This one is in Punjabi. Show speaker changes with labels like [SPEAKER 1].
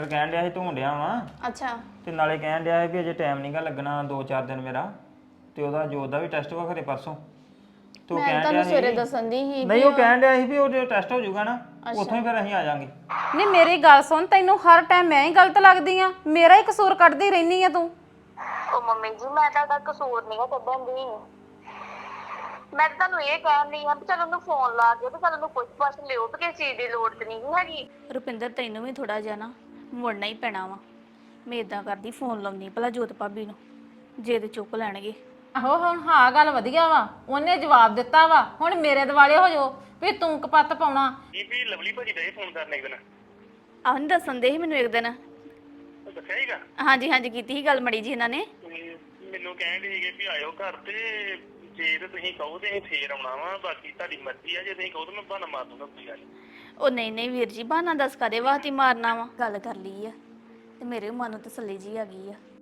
[SPEAKER 1] ਕਹਿਣ ਡਿਆ ਸੀ ਧੋਣ ਡਿਆ ਵਾਂ
[SPEAKER 2] ਅੱਛਾ
[SPEAKER 1] ਤੇ ਨਾਲੇ ਕਹਿਣ ਡਿਆ ਸੀ ਵੀ ਅਜੇ ਟਾਈਮ ਨਹੀਂਗਾ ਲੱਗਣਾ 2-4 ਦਿਨ ਮੇਰਾ ਤੇ ਉਹਦਾ ਜੋਤ ਦਾ ਵੀ ਟੈਸਟ ਵਾ ਖਰੇ ਪਰਸੋਂ ਤੇ ਉਹ
[SPEAKER 2] ਮੈਂ
[SPEAKER 1] ਕਹਿਣ
[SPEAKER 2] ਤੁਹਾਨੂੰ
[SPEAKER 1] ਡਿਆ
[SPEAKER 2] ਸਵੇਰੇ
[SPEAKER 1] ਸੀ
[SPEAKER 2] ਦੱਸਣ ਦੀ ਸੀ
[SPEAKER 1] ਨਹੀਂ ਉਹ ਕਹਿਣ ਡਿਆ ਸੀ ਵੀ ਉਹ ਜੋ ਟੈਸਟ ਹੋ ਜਾਊਗਾ ਨਾ
[SPEAKER 2] ਅੱਛਾ।
[SPEAKER 1] ਉੱਥੋਂ ਹੀ ਫਿਰ ਅਸੀਂ ਆ ਜਾਾਂਗੇ
[SPEAKER 3] ਨਹੀਂ ਮੇਰੀ ਗੱਲ ਸੁਣ ਤੈਨੂੰ ਹਰ ਟਾਈਮ ਮੈਂ ਹੀ ਗਲਤ ਲੱਗਦੀ ਆ ਮੇਰਾ ਹੀ ਕਸੂਰ ਕੱਢਦੀ ਰਹਿਨੀ ਆ ਤੂੰ
[SPEAKER 4] ਉਹ ਮੰਮੀ ਜੀ ਮੈਂ ਤੁਹਾਡਾ ਕਸੂਰ ਨਹੀਂ ਕੱਢਣ ਦੀ ਮੈਂ ਤਾਂ ਤੁਹਾਨੂੰ ਇਹ ਕਹਿਣ ਲਈ ਆ ਵੀ ਚਲ ਉਹਨੂੰ ਫੋਨ ਲਾ ਕੇ ਤੇ ਚਲ ਉਹਨੂੰ ਪੁੱਛ ਪਾਛ ਲਿਓ ਕਿ ਕਿਸੇ ਚੀਜ਼ ਦੀ ਲੋੜ ਤੇ ਨਹੀਂ ਹੈਗੀ।
[SPEAKER 2] ਰੁਪਿੰਦਰ ਤੈਨੂੰ ਵੀ ਥੋੜਾ ਜਿਹਾ ਨਾ ਮੁੜਨਾ ਹੀ ਪੈਣਾ ਵਾ ਮੈਂ ਇਦਾਂ ਕਰਦੀ ਫੋਨ ਲਾਉਣੀ ਭਲਾ ਜੋਤ ਭਾਬੀ ਨੂੰ ਜੇ ਤੇ ਚੁੱਕ ਲੈਣਗੇ।
[SPEAKER 3] ਆਹੋ ਹੁਣ ਹਾਂ ਗੱਲ ਵਧੀਆ ਵਾ ਉਹਨੇ ਜਵਾਬ ਦਿੱਤਾ ਵਾ ਹੁਣ ਮੇਰੇ ਦਿਵਾਲੇ ਹੋ ਜਾਓ ਵੀ ਤੂੰ ਕਪੱਤ ਪਾਉਣਾ
[SPEAKER 5] ਇਹ ਵੀ ਲਵਲੀ ਭਾਜੀ ਦਾ ਫੋਨ ਕਰਨੇ ਇੱਕ ਦਿਨ
[SPEAKER 2] ਆਹ ਨਹੀਂ ਦੱਸਣ ਦੇ ਸੀ ਮੈਨੂੰ ਇੱਕ ਦਿਨ
[SPEAKER 5] ਉਹ ਦੱਸਿਆ ਹੀਗਾ
[SPEAKER 2] ਹਾਂਜੀ ਕੀਤੀ ਸੀ ਗੱਲ ਮੜੀ ਜੀ ਇਹਨਾਂ ਨੇ
[SPEAKER 5] ਮੈਨੂੰ ਕਹਿਣ ਦੇ ਸੀਗੇ ਵੀ ਆਇਓ ਘਰ ਤੇ ਜੇ ਤੇ ਤੁਸੀਂ ਕਹੋ ਤੇ ਅਸੀਂ ਫੇਰ ਆਉਣਾ ਵਾ ਬਾਕੀ ਤੁਹਾਡੀ ਮਰਜ਼ੀ ਆ ਜੇ ਤੁਸੀਂ ਕਹੋ ਤਾਂ ਮੈਂ ਬਹਾਨਾ ਮਾਰ ਦੂੰਗਾ ਕੋਈ ਗੱਲ ਨੀ।
[SPEAKER 2] ਉਹ ਨਹੀਂ ਵੀਰ ਜੀ ਬਹਾਨਾ ਦੱਸ ਕਦੇ ਵਾਸਤੇ ਮਾਰਨਾ ਵਾ ਗੱਲ ਕਰ ਲਈ ਆ ਤੇ ਮੇਰੇ ਮਨ ਨੂੰ ਤਸੱਲੀ ਜੀ ਆ ਗਈ ਆ